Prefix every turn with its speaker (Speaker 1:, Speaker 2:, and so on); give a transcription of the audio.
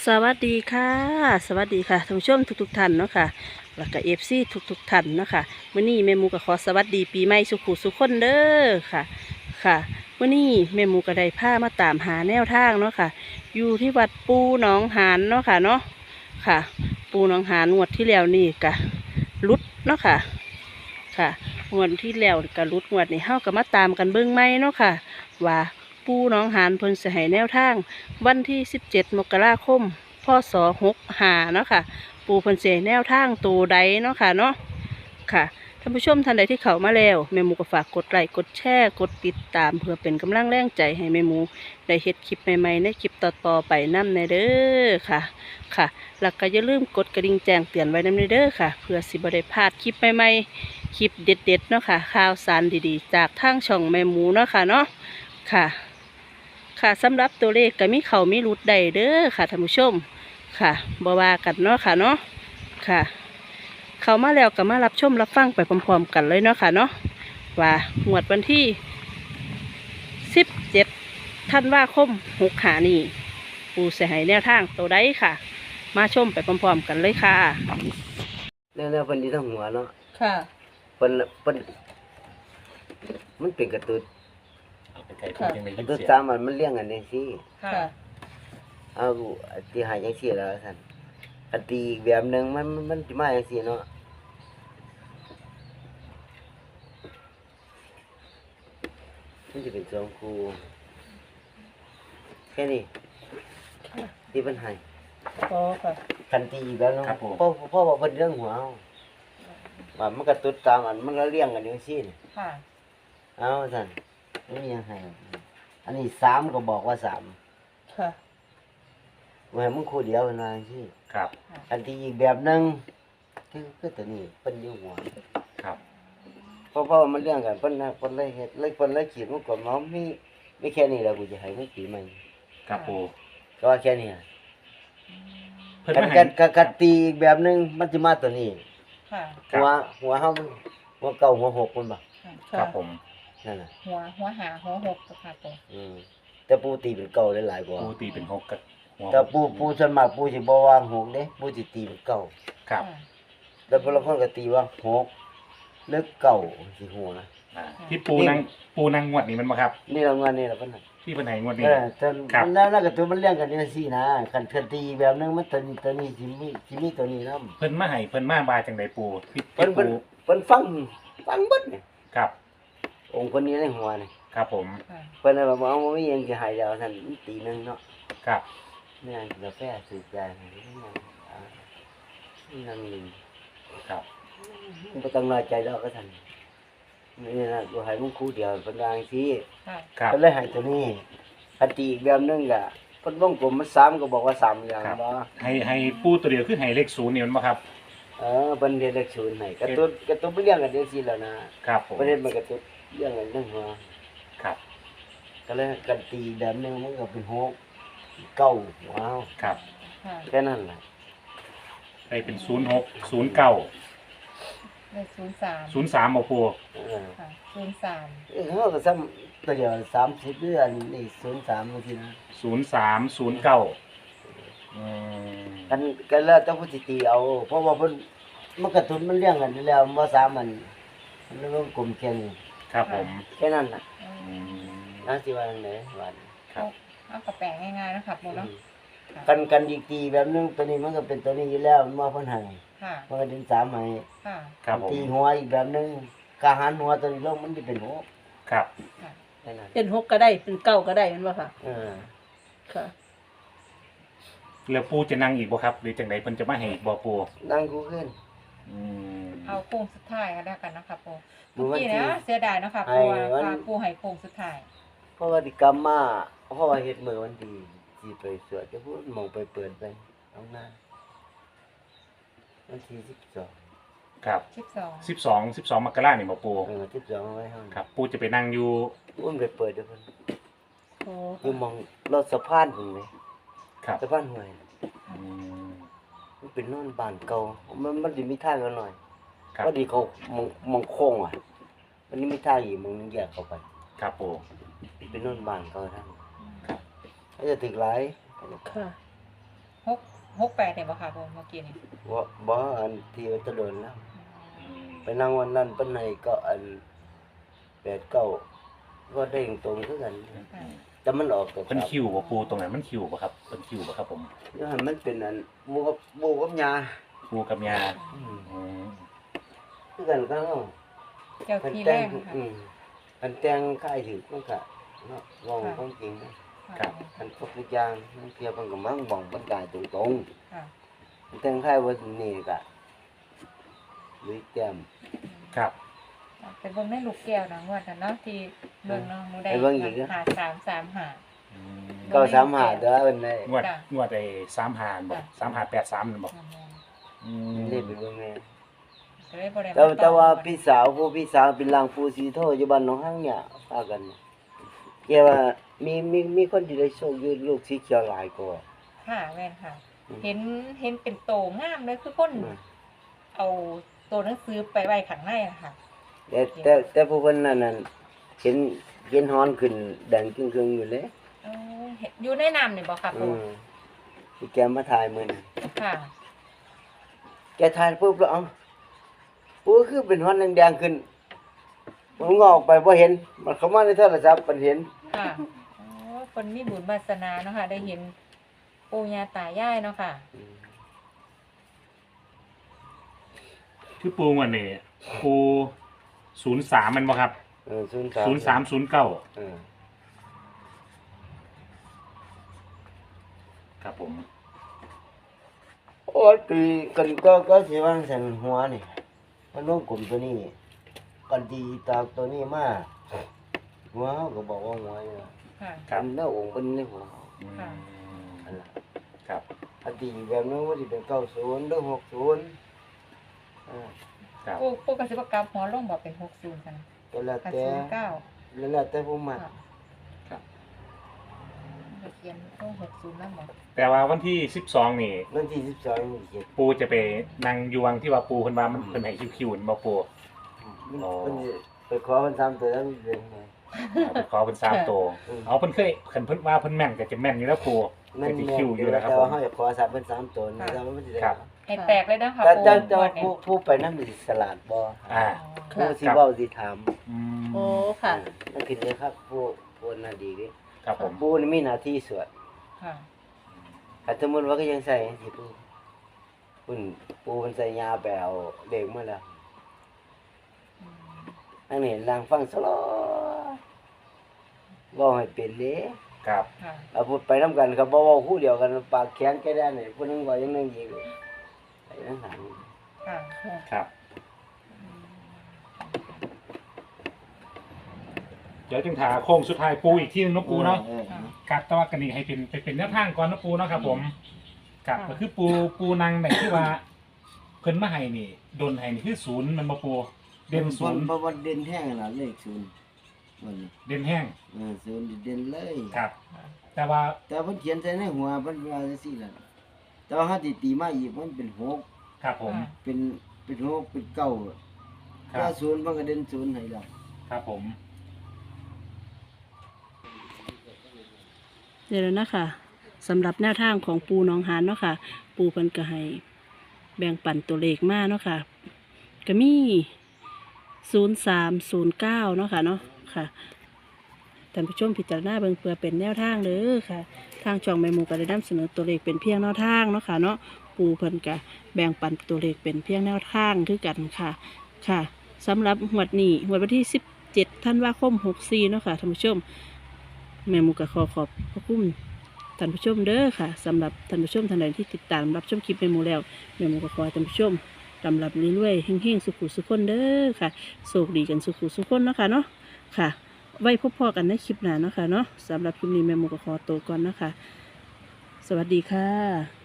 Speaker 1: สวัสดีค่ะสวัสดีค่ะท่านผู้ชมทุกท่านเนาะค่ะแล้วก็FCทุกท่านเนาะค่ะมื้อนี้แม่หมูก็ขอสวัสดีปีใหม่สุขุสุขคนเด้อค่ะค่ะมื้อนี้แม่หมูก็ได้พามาตามหาแนวทางเนาะค่ะอยู่ที่วัดปูหนองหานเนาะค่ะเนาะค่ะปูหนองหานงวดที่แล้วนี่ก็รุดเนาะค่ะค่ะงวดที่แล้วก็รุดงวดนี้เฮาก็มาตามกันเบิ่งใหม่เนาะค่ะว่าปูหนองหานเพิ่นสิให้แนวทางวันที่17 มกราคม พ.ศ. 65เนาะค่ะปูเพิ่นสิให้แนวทางตัวใดเนาะค่ะเนาะค่ะท่านผู้ชมท่านใดที่เข้ามาแล้วแม่หมูก็ฝากกดไลค์กดแชร์กดติดตามเพื่อเป็นกำลังแรงใจให้แม่หมูได้เฮ็ดคลิปใหม่ๆในคลิปต่อๆไปนำในเด้อค่ะค่ะแล้วก็อย่าลืมกดกระดิ่งแจ้งเตือนไว้นำในเด้อค่ะเพื่อสิบ่ได้พลาดคลิปใหม่ๆคลิปเด็ดๆเนาะค่ะข่าวสารดีๆจากทางช่องแม่หมูเนาะค่ะเนาะค่ะค่ะสำหรับตัวเลขก็มีเข้ามีหลุดได้เด้อค่ะท่านผู้ชมค่ะบ่ว่ากันเนาะค่ะเนาะค่ะเข้ามาแล้วก็มารับชมรับฟังไปพร้อมๆกันเลยเนาะค่ะเนาะว่างวดวันที่17 ธันวาคม65นี้ปูสิให้แนวทางตัวใดค่ะมาชมไปพร้อมๆกันเลยค่ะ
Speaker 2: แนวเพิ่นที่ทั้งหัวเนาะ
Speaker 1: ค่ะ
Speaker 2: เพิ่นมันเป็นกระตุ้นกระตุ้นตามมันเลี้ยงกันจังซี่
Speaker 1: ค่ะ
Speaker 2: เอาที่หายจังซี่แล้วซั่นอันตีอีกแบบนึงมันสิมาจังซี่เนาะมันจะเป็นสองคู่แค่นี้ที่เพิ่นให้
Speaker 1: อ๋อค่ะ
Speaker 2: คันตีอีกแบบนึงพ่อว่าเพิ่นเรื่องหัวเอาว่ามันกระตุ้นตามมันก็เลี้ยงกันจังซี่
Speaker 1: ค่ะ
Speaker 2: เอาซั่นไม่มีหยังให้อันนี้3ก็บอกว่า3
Speaker 1: ค่ะ
Speaker 2: ว่ามึงคู่เดียวเป็นว่าจังซี่
Speaker 3: ครับ
Speaker 2: อันที่อีกแบบนึงคือตัวนี้เพิ่นอยู่หัว
Speaker 3: ครับ
Speaker 2: เพราะว่ามันเรื่องกันเพิ่นเลยเฮ็ดเลยเพิ่นเลยขีดมันก็มีแค่นี้แหละกูจะให้มึงปีใหม่
Speaker 3: ครับปู
Speaker 2: ก็ว่าแค่นี้
Speaker 3: เพิ่นมาให้
Speaker 2: กันตีอีกแบบนึงมันสิมาตัวนี้
Speaker 1: ค่ะ
Speaker 2: หัวเฮามันหัวเก่าหัวหกมันบ่
Speaker 3: ครับผม
Speaker 2: นั่นน่ะ
Speaker 1: หัวหาหัวหกค่ะปู
Speaker 2: แต่ปูตีเป็นเก่าหลายกว่า
Speaker 3: ปูตีเป็น6กับหัว
Speaker 2: แต่ปูส่วนมากปูสิบ่วางหกเด้ปูสิตีเป็นเก่า
Speaker 3: ครับ
Speaker 2: แล้วพวกเราเพิ่นก็ตีว่าหกหรือเก่าสิหัว
Speaker 3: ที่ปูนั่งงวดนี้มันบ่ครับ
Speaker 2: นี่เรางานนี่ล่ะเพิ่นน่ะ
Speaker 3: ที่เพิ่นให้งวดนี้
Speaker 2: แต่มันแล้วก็ตัวมันเลี้ยงกันจังซี่นะคันตีแบบนึงมันตัวนี้สิมีตัวนี้นำ
Speaker 3: เพิ่นมาให้เพิ่นมาบาจังได๋ปูที่
Speaker 2: เพิ่นฟังเบิดนี่
Speaker 3: ครับ
Speaker 2: องค์คนนี้ในหัวนี่
Speaker 3: ครับผม
Speaker 2: เพิ่นว่าบ่มีหยังสิให้แล้วซั่นตีนึงเนาะ
Speaker 3: ครับ
Speaker 2: แม่นกาแฟสูบยานั่นนี่
Speaker 3: ครับ
Speaker 2: บ่ต้องน้อยใจดอกก็ซั่นนี่นะกูให้มึงคู่เดียวเพิ่นว่าจังซี่
Speaker 3: ครับ
Speaker 2: เพิ่นเลยให้ตัวนี้คันตีอีกแบบนึงก็เพิ่นวงกลมมัน3ก็บอกว่า3อย่างบ่
Speaker 3: ให้ปูตัวเดียวคือให้เลข0นี่มันบ่ครับ
Speaker 2: เพิ่นเฮ็ดเลข0ให้กระตุ้นไปเลี้ยงกันจังซี่แล้วนะครับ
Speaker 3: ผม
Speaker 2: เพิ่นเฮ็ดมันกระตุ้นเลี้ยงกันจังหัว
Speaker 3: ครับ
Speaker 2: ก็เลยกันตีแบบนึงมันก็เป็น6 9ว้าว
Speaker 3: ครับ
Speaker 2: แค่นั้นล่ะ
Speaker 3: ให้เป็น06 09
Speaker 1: เลข03
Speaker 3: 03บ่ปู
Speaker 1: ค่ะ03
Speaker 2: เฮาก็ซ้ำตัวเดียว30เดือนนี่03บางทีนะ
Speaker 3: 03 09
Speaker 2: กันแล้วแต่ผู้สิตีเอาเพราะว่าเพิ่นมันกระตุ้นมันเลี้ยงกันอยู่แล้วบ่สามันมันกลมแค่นี้
Speaker 3: ครับผม
Speaker 2: แค่นั้นน่ะสิว่าจังได๋ว่า
Speaker 3: ครับ
Speaker 1: เอากระแปลงง่ายๆนะครับปูเนาะ
Speaker 2: กันอีกตีแบบนึงตัวนี้มันก็เป็นตัวนี้อยู่แล้วมันบ่เพิ่นให้
Speaker 1: ค่ะ
Speaker 2: มันก็ดึง3ให้
Speaker 1: ค่ะ
Speaker 3: ครับผม
Speaker 2: ตีหัวอีกแบบนึงกะหันหัวตัวนี้ลงมันสิเป็น6
Speaker 3: ครับ
Speaker 2: แค่นั้น
Speaker 1: เป็น6ก็ได้เป็น9ก็ได้แม่นบ่ค่ะค่ะ
Speaker 3: แล้วปูจะนั่งอีกบ่ครับหรือจังไดเพิ่นจะมาให้อีกบ่ปู
Speaker 2: นั่งกูขึ้น
Speaker 1: เอาโค้งสุดท้ายก็แล้วกันนะคะปูเมื่อกี้นะเสียดายนะคะปูว่าปูให้โค้งสุดท้าย
Speaker 2: เพราะว่าที่กรรมมาเพราะว่าเฮ็ดมื้อวันที่สิไปสวดจะพูดมองไปเปิดไปเอาหน้าวันที่12
Speaker 3: ครับ12 มกราคมนี่บ่ปู
Speaker 2: 12ไว้เฮา
Speaker 3: ครับปูจะไปนั่งอยู่
Speaker 2: อุ้มไปเปิดเด้อเพิ่นอยู่มองรถสะพานพุ่นแหม
Speaker 3: ครับ
Speaker 2: สะพานห้วยมันเป็นโน่นบ้านเก่ามันสิมีทางกันหน่อยพอดีเขามองโค้งมันนี่มีทางอีกมึงแยกเข้าไป
Speaker 3: ครับปู
Speaker 2: เป็นโน่นบ้านเก่าทางครับจะถึกหลาย
Speaker 1: ค่ะ
Speaker 4: 668เนี่ยบ่ค่ะผมเมื่อกี้นี่
Speaker 2: บ่อันที่ว่าตะโดนแล้ว ไปนั่งวันนั้นเปิ้นให้ก็อัน8 9ก็ได้ตรงคือกัน
Speaker 4: ค่ะ
Speaker 2: แต่มันออกตัว
Speaker 3: เพิ่นคิวบ่ปูตรงไหนมันคิวบ่ครับเพิ่นคิวบ่ครับผม
Speaker 2: แล้วให้มันเป็นอันบูกับยา
Speaker 3: ปูกับยา
Speaker 2: อืม
Speaker 3: อืม
Speaker 2: คือกันก็เนาะ
Speaker 4: เจ้า
Speaker 2: คัน
Speaker 4: ที่
Speaker 2: แต่
Speaker 4: แรง งค่ะ
Speaker 2: คันแต่งค่ายถือมันก็เนาะเว้าความจริงนะ
Speaker 4: ค่ะ
Speaker 2: คันพวกทุกอย่างมันเกี่ยวมันก็มั่งบ่งบรรกายตรง
Speaker 4: ค่ะ
Speaker 2: ๆคันแต่งค่ายว่านี่ก็ลุยแต้ม
Speaker 3: ครับ
Speaker 4: เป็นเบิ่งในลูกแก้วนะงวดนั้นเนาะที่เบิ่งน้องหนูได้
Speaker 2: ไปเบิ่งอีกเด้อ
Speaker 4: หา335
Speaker 3: อืม
Speaker 2: ก็35เด้อเพิ่นได้
Speaker 3: งวด
Speaker 4: จ้ะ
Speaker 3: งวดไอ้35บ่
Speaker 4: จ้ะ
Speaker 3: 3583นั่นบ่อืม
Speaker 2: เล่นไปเบิ่งแม่
Speaker 4: ก็เลยบ่ได้
Speaker 2: แต่ว่าพี่สาวพี่สาวเป็นลางปูสีโทอยู่บ้านหนองหางเนี่ยพากันเนี่ยแกว่ามีคนที่ได้โชคอยู่ลูกสีเขียวหลายกว่า
Speaker 4: ค่ะแม่นค่ะ
Speaker 2: อืม
Speaker 4: เห็นเป็นโตงามเลยคือคนเอาตัวหนังสือไปไว้ข้างในอะค่ะ
Speaker 2: แต่ผู้คนนั้นน่ะเห็นฮ้อนขึ้นแดงครึ่งๆอยู่เลย
Speaker 4: เออเห็นอยู่ในน้ำนี่บ่ค่ะ
Speaker 2: อื
Speaker 4: ปู่
Speaker 2: มที่แกมาถ่ายมื้อนั้น
Speaker 4: ค่ะ
Speaker 2: แกถ่ายปุ๊บแล้วเอ้าปูคือเป็นฮ้อนแดงๆขึ้นมันงอกไปบ่เห็นมันเข้ามาในโทรศัพท์มันเห็น
Speaker 4: ค่ะโอ้คนมีบุญวาสนาเนาะค่ะ ได้เห็นปู่ย่าตายายเนาะค่ะ
Speaker 3: คือปูงวดนี้ปู03มันบ่ครับ
Speaker 2: 03
Speaker 3: 0309
Speaker 2: เออ
Speaker 3: ครับผม
Speaker 2: โอ้ยปีกันก็สิว่าซั่นหัวนี่มันลงกลุ่มตัวนี้กันดีตากตัวนี้มาหัวเขาก็บอกว่าหัวนี่ล่ะ
Speaker 4: ค่ะ
Speaker 3: ครับ
Speaker 2: เป็นหน้าองค์เป็นในหัวเขา
Speaker 3: อืม
Speaker 4: ค่ะ
Speaker 2: อันนั้น
Speaker 3: ครับ
Speaker 2: อดีตแบบนั้นว่าสิเป็น90หรือ60อ่า
Speaker 3: ครับ
Speaker 4: ปู่ก็สิบ่กลับหัวลงบ่เป็น60กัน
Speaker 2: ก็แล้ว
Speaker 4: กับ
Speaker 2: แต่
Speaker 4: 09
Speaker 2: แล้วแต่ผู้มัก
Speaker 4: ค่ะ
Speaker 3: ครับ
Speaker 4: ก็เขียนต้อง60นำบ่
Speaker 3: แต่ว่าวันที่12นี่
Speaker 2: วันที่12นี่เจ็ด
Speaker 3: ปูจะไปนั่งอยู่วังที่ว่าปูเพิ่นว่ามันเพิ่นให้คิวๆนี่บ่ปู อ๋อ
Speaker 2: เพิ่นสิไปขอเพิ่น3ตัวแล้วมันเป็นไง
Speaker 3: เอาไปขอเพิ่น3ตัว
Speaker 2: อืม
Speaker 3: เอาเพิ่นเคยเพิ่นว่าเพิ่นแม่นก็จะแม่นอยู่แล้วปู
Speaker 2: มัน
Speaker 3: ก็สิ
Speaker 2: แม่
Speaker 3: คิวอยู่แล้วครับ
Speaker 2: แต่
Speaker 3: ผ
Speaker 2: ว่าม เฮาจะขอสับเพิ่น3ตัวนี่
Speaker 4: ค่ะ
Speaker 2: แต่ว่ามันสิได้
Speaker 3: ครับ
Speaker 4: ให้แตกเลยนะคะ
Speaker 2: แต่
Speaker 4: ปู่
Speaker 2: แต่ว่า
Speaker 4: งวดนี้
Speaker 2: ผู้ไปนำสิสลาดบ่
Speaker 3: อ่า
Speaker 2: ผู้สิเว้าสิถาม
Speaker 3: อืม
Speaker 1: โอ้ค่ะ
Speaker 2: นั่นคือเลยครับผู้น่าดีเด้
Speaker 3: ครับผม
Speaker 2: ผู้นี่มีหน้าที่สวด
Speaker 4: ค่ะ
Speaker 2: ถ้าสมมุติว่าก็ยังใส่สิผู้มันใส่ยาไปเอาเด็กมาแล้ว
Speaker 4: อืม
Speaker 2: อันนี้ลางฟังสลอบ่ให้เป็นเด้
Speaker 3: ครับ
Speaker 4: ค่ะ
Speaker 2: เอาพูดไปนํกันครับบ่เว้าคู่เดียวกันปากแข็งแค่ได้นี่ผู้หนึงว่าอย่างนึงอีกไอ้นั่นหาง
Speaker 4: ค่ะ
Speaker 3: ครับ เดี๋ยวจึงถาโค้งสุดท้ายปูอีกที่นึงเนาะปูเนาะ ครับแต่ว่ากันนี่ให้เป็นแนวทางก่อนเนาะปูเนาะครับผมครับก็คือปูนางไหนที่ว่าเพิ่นมาให้นี่ดนให้นี่คือ0มันบ่ปูเด่น
Speaker 2: เพราะว่าเด่นแห้งน่ะเลข0มัน
Speaker 3: 0เด่นแห้ง
Speaker 2: 0เด่นเลย
Speaker 3: ครับ แต่ว่า
Speaker 2: แต่เพิ่นเขียนใส่ในหัวเพิ่นว่าจังซี่ล่ะแต่ว่าเฮาสิตีมาอีกมันเป็น6
Speaker 3: ครับผม
Speaker 2: เป็น6เป็น9
Speaker 3: ครั
Speaker 2: ถ้า
Speaker 3: บ
Speaker 2: 0มันก็เด่น0ให้แล้ว
Speaker 3: ครับผม
Speaker 1: เดี๋ยวนะคะสำหรับแนวทางของปูหน้องหานเนาะค่ะ ปูเพิ่นก็ให้แบ่งปันตัวเลขมาเนาะค่ะก็มี0309เนาะค่ะเนาะค่ะท่านผู้ชมพิจารณาเบิ่งเพื่อเป็นแนวทางเด้อค่ะ ทางช่องแม่หมูก็ได้นำเสนอตัวเลขเป็นเพียงแนวทางเนาะค่ะเนาะปูเพิ่นก็แบ่งปันตัวเลขเป็นเพียงแนวทางคือกันค่ะค่ะสำหรับงวดนี้งวดวันที่17ธันวาคม64เนาะค่ะท่านผู้ชม แม่หมูก็ขอบพระคุณท่านผู้ชมเด้อค่ะสำหรับท่านผู้ชมท่านใดที่ติดตามรับชมคลิปแม่หมูแล้วแม่หมูก็ขอให้ท่านผู้ชมลำรับเรื่อยๆเฮงๆสุขุสุขคนเด้อค่ะโชคดีกันสุขุสุขคนเนาะค่ะเนาะค่ะ ไว้พบพอกันในคลิปหน้าเนาะค่ะเนาะสำหรับคลิปนี้แม่หมูก็ขอตัวก่อนนะคะสวัสดีค่ะ